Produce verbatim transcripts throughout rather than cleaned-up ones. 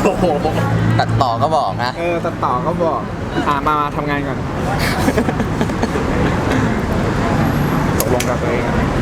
โอ้โหตัดต่อก็บอกนะเออตัดต่อก็บอกอ่ามามาทำงานก่อนตกลงกับตัวเอง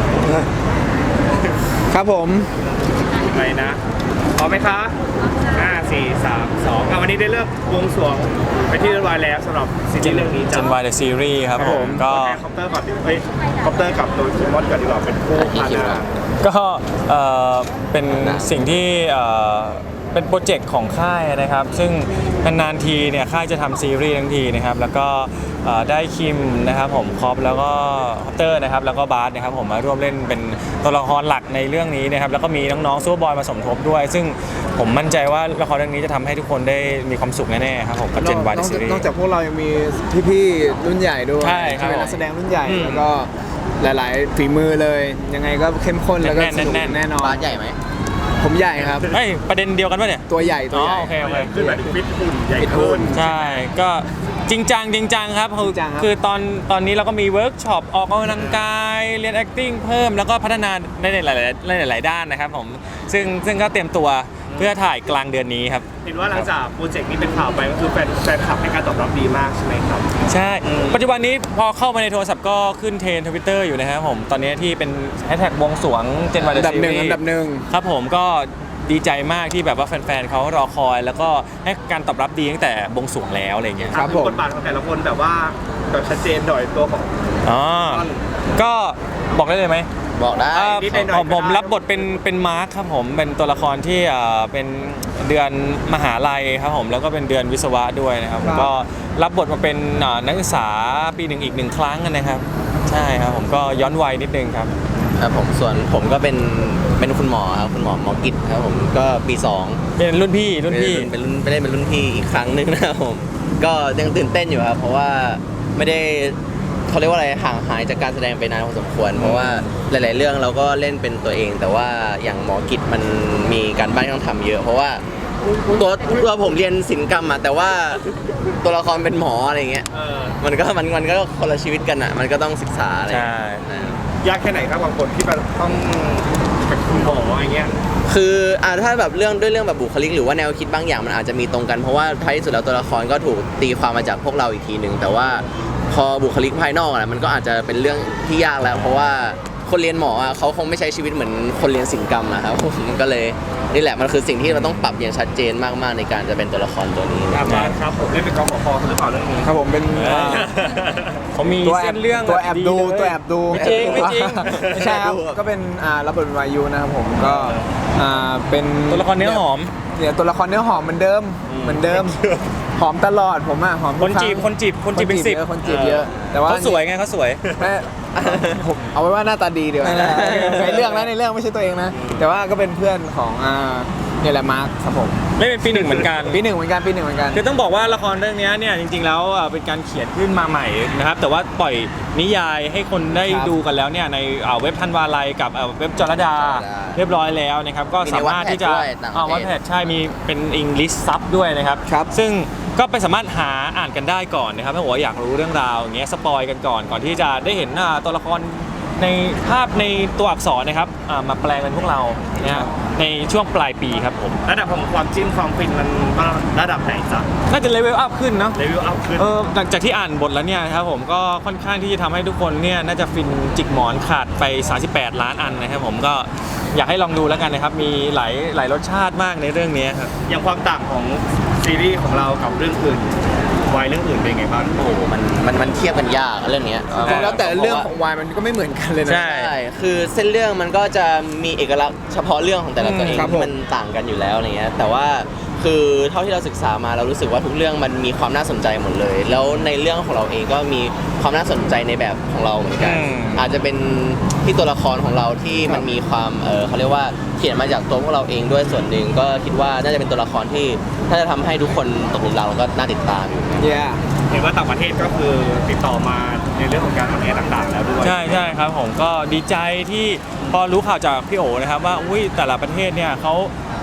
ครับผมไปนะพร้อมไหมคะห้าสี่สามสองวันนี้ได้เลิกบวงสรวงไปที่เรียบร้อยแล้วสำหรับซีรีส์เรื่องนี้เจนวายเดอะซีรีส์ครับผมก็คอปเตอร์ก่อนดิเฮ้ยคอปเตอร์กับโดยคิมมอนก่อนดีกว่าเป็นคู่พานาก็เอ่อเป็นสิ่งที่เอ่อเป็นโปรเจกต์ของค่ายนะครับซึ่งนานๆทีเนี่ยค่ายจะทำซีรีส์ทั้งทีนะครับแล้วก็เอ่อได้คิมนะครับผมคอปแล้วก็คอปเตอร์นะครับแล้วก็บาสนะครับผมมาร่วมเล่นเป็นตัวละครหลักในเรื่องนี้นะครับแล้วก็มีน้องๆซูเปอร์บอยมาสมทบด้วยซึ่งผมมั่นใจว่าละครเรื่องนี้จะทำให้ทุกคนได้มีความสุขแน่ๆครับผมกับเจนวายซีรีส์นอกจากพวกเรายังมีพี่ๆรุ่นใหญ่ด้วยใช่ครับเป็นนักแสดงรุ่นใหญ่แล้วก็หลายๆฝีมือเลยยังไงก็เข้มข้นแล้วก็สนุกแน่นอนบาสใหญ่ไหมผมใหญ่ครับเฮ้ยประเด็นเดียวกันป่ะเนี่ยตัวใหญ่ตัวใหญ่โอเคโอเคขึ้นแบบฟิตหุ่นใหญ่ขึ้นใช่ก็จริงจังจริงจังครับคือคือตอนตอนนี้เราก็มีเวิร์กช็อปออกกำลังกายเรียน acting เพิ่มแล้วก็พัฒนาในหลายๆหลายๆด้านนะครับผมซึ่งซึ่งก็เตรียมตัวเพื่อถ่ายกลางเดือนนี้ครับเห็นว่าหลังจากโปรเจกต์นี้เป็นข่าวไปก็คือแฟนแฟนคลับให้การตอบรับดีมากใช่ไหมครับใช่ปัจจุบันนี้พอเข้ามาในโทรศัพท์ก็ขึ้นเทรนด์ทวิตเตอร์อยู่นะครับผมตอนนี้ที่เป็นแฮชแท็กบวงสรวงเจนวายเดอะซีรีส์อันดับหนึ่งครับผมก็ดีใจมากที่แบบว่าแฟนๆเขารอคอยแล้วก็ให้การตอบรับดีตั้งแต่บวงสรวงแล้วอะไรเงี้ยครับผมบทบาทของแต่ละคนแบบว่าแบบชัดเจนหน่อยตัวของอ๋อก็บอกได้เลยไหมบอกได้ผมผมรับบทเป็นเป็นมาร์คครับผมเป็นตัวละครที่เป็นเดือนมหาลัยครับผมแล้วก็เป็นเดือนวิศวะด้วยนะครับก็รับบทมาเป็นนักศึกษาปีหนึ่งอีกหนึ่งครั้งนะครับใช่ครับผมก็ย้อนวัยนิดนึงครับครับผมส่วนผมก็เป็นเป็นคุณหมอครับคุณหมอหมอกิจครับผมก็ปีสองเป็นรุ่นพี่รุ่นพี่เป็นรุ่นไม่ได้เป็นรุ่นพี่อีกครั้งนึงนะครับผมก็ยังตื่นเต้นอยู่ครับเพราะว่าไม่ได้เขาเรียกว่าอะไรห่างหายจากการแสดงไปนานพอสมควรเพราะว่าหลาย ๆ เรื่องเราก็เล่นเป็นตัวเองแต่ว่าอย่างหมอกิจมันมีการบ้านต้องทำเยอะเพราะว่าตัวตัวผมเรียนศิลปกรรมอะแต่ว่าตัวละครเป็นหมออะไรเงี้ยมันก็มันมันก็คนละชีวิตกันอะมันก็ต้องศึกษาอะไรยากแค่ไหนครับบางคนที่แบบต้องเป็นคุณหมออะไรเงี้ยคืออ่าถ้าแบบเรื่องด้วยเรื่องแบบบุคลิกหรือว่าแนวคิดบางอย่างมันอาจจะมีตรงกันเพราะว่าท้ายที่สุดแล้วตัวละครก็ถูกตีความมาจากพวกเราอีกทีหนึ่งแต่ว่าพอบุคลิกภายนอกอะมันก็อาจจะเป็นเรื่องที่ยากแล้วเพราะว่าคนเรียนหมออ่ะเขาคงไม่ใช้ชีวิตเหมือนคนเรียนศิลปกรรมอะครับก็เลยนี่แหละมันคือสิ่งที่เราต้องปรับอย่างชัดเจนมากๆในการจะเป็นตัวละครตัวนี้ครับครับผมเล่นเป็นกองขอหรือเปล่าเรื่องนี้ครับผมเป็นผมมีเส้นเรื่องตัวแอบดูตัวแอบดูไม่จริงไม่จริงไม่ใช่ครับก็เป็นอ่ารับบทเป็นวายุนะครับผมก็อ่าเป็นตัวละครเนื้อหอมเนี่ยตัวละครเนื้อหอมเหมือนเดิมเหมือนเดิมหอมตลอดผมอ่ะหอมคนจีบคนจีบคนจีบเป็นสิบคนจีบเยอะแต่ว่าเขาสวยไงเขาสวยผมเอาไว้ว่าหน้าตาดีเดี๋ยวในเรื่องนะในเรื่องไม่ใช่ตัวเองนะแต่ว่าก็เป็นเพื่อนของอ่าเนี่ยแหละมาร์คครับผมไม่เป็นปีหนึ่งเหมือนกันปีหนึ่งเหมือนกันปีหนึ่งเหมือนกันคือต้องบอกว่าละครเรื่องนี้เนี่ยจริงๆแล้วเป็นการเขียนขึ้นมาใหม่นะครับแต่ว่าปล่อยนิยายให้คนได้ดูกันแล้วเนี่ยในเว็บธันวาลัยกับเว็บจรดาเรียบร้อยแล้วนะครับก็สามารถที่จะเอาวัดแพทใช่มีเป็นอังกฤษซับด้วยนะครับซึ่งก็ไปสามารถหาอ่านกันได้ก่อนนะครับถ้าหัวอยากรู้เรื่องราวอย่างเงี้ยสปอยกันก่อนก่อนที่จะได้เห็นตัวละครในภาพในตัวอักษรนะครับมาแปลงเป็นพวกเราเนี่ยในช่วงปลายปีครับผมระดับของความจิ้นความฟินมันระดับไหนจ๊ะน่าจะเลเวลอัพขึ้นเนาะเลเวลอัพขึ้นเออหลังจากที่อ่านบทแล้วเนี่ยครับผมก็ค่อนข้างที่จะทำให้ทุกคนเนี่ยน่าจะฟินจิกหมอนขาดไปสามสิบแปดล้านอันนะครับผมก็อยากให้ลองดูแล้วกันนะครับมีหลายหลายรสชาติมากในเรื่องนี้ครับอย่างความต่างของซีรีส์ของเรากับเรื่องอื่นวายเรื่องอื่นเป็นไงบ้างโอ้มันมันมันเทียบกันยากเรื่องนี้แล้วแต่เรื่องของวายมันก็ไม่เหมือนกันเลยนะใช่คือเส้นเรื่องมันก็จะมีเอกลักษณ์เฉพาะเรื่องของแต่ละตัวเองที่มันต่างกันอยู่แล้วอะไรเงี้ยแต่ว่าคือเท่าที่เราศึกษามาเรารู้สึกว่าทุกเรื่องมันมีความน่าสนใจหมดเลยแล้วในเรื่องของเราเองก็มีความน่าสนใจในแบบของเราเหมือนกันอาจจะเป็นที่ตัวละครของเราที่มันมีความเออเขาเรียกว่าเขียนมาจากตัวพวกเราเองด้วยส่วนหนึ่งก็คิดว่าน่าจะเป็นตัวละครที่ถ้าจะทำให้ทุกคนตกหลุมรักแล้วก็น่าติดตามอยู่เห็นว่าต่างประเทศก็คือติดต่อมาในเรื่องของการทำงานต่างๆแล้วด้วยใช่ใช่ครับผมก็ดีใจที่พอรู้ข่าวจากพี่โอนะครับว่าอุ้ยแต่ละประเทศเนี่ยเขา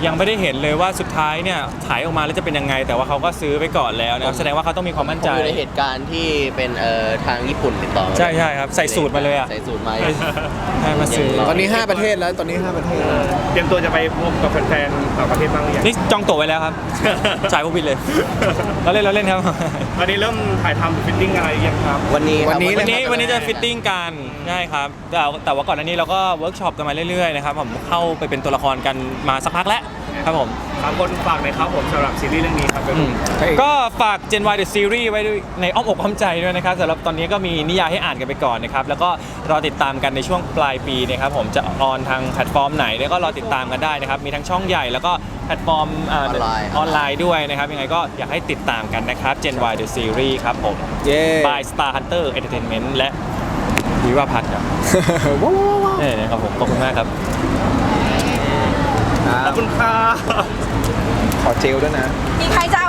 ยังไม่ได้เห็นเลยว่าสุดท้ายเนี่ยฉายออกมาแล้วจะเป็นยังไง แต่ว่าเขาก็ซื้อไปก่อนแล้วนะครับแสดงว่าเขาต้องมีความมั่นผใจมอยู่ในเหตุการณ์ที่เป็นเอ่อทางญี่ปุ่นติดต่อมาใช่ใช่ครับใส่สูตรมาเลยอะใส่สูตรมาให้มาซื้อตอนนี้ห้าประเทศแล้วตอนนี้ห้าประเทศแล้วเตรียมตัวจะไปพบกับแฟนๆต่างประเทศบ้างหรือยังนี่จองตั๋วไว้แล้วครับ จ่ายพวกบินเลย เราเล่นเราเล่นครับตอนนี้เริ่มถ่ายทำฟิตติ้งอะไรยังครับวันนี้ครับวันนี้วันนี้ครับวันนี้จะฟิตติ้งกันใช่ครับแต่แต่ว่าก่อนหน้านี้เราก็เวิร์กช็อปกันมาเรื่อยๆนะครับผมเข้าไปเป็นตัวละครกันมาสักพักแล้วครับผมสามคนฝากหน่อยครับผมสำหรับซีรีส์เรื่องนี้ครับอืมก็ฝาก Gen Y The Series ไว้ด้วยในอ้อมอกอ้อมใจด้วยนะครับสำหรับตอนนี้ก็มีนิยายให้อ่านกันไปก่อนนะครับแล้วก็รอติดตามกันในช่วงปลายปีนะครับผมจะออนทางแพลตฟอร์มไหนแล้วก็รอติดตามกันได้นะครับมีทั้งช่องใหญ่แล้วก็แพลตฟอร์มเอออนไลน์ออนไลน์ด้วยนะครับยังไงก็อยากให้ติดตามกันนะครับ Gen Y The Series ครับผมเย้ by Star Hunter Entertainment และวิวาพัฒน์ครับว้าวว้าวว้าวเนี่ยนะครับผมขอบคุณมากครับครัขอบบคุณครับขอเจลด้วยนะมีใครจะ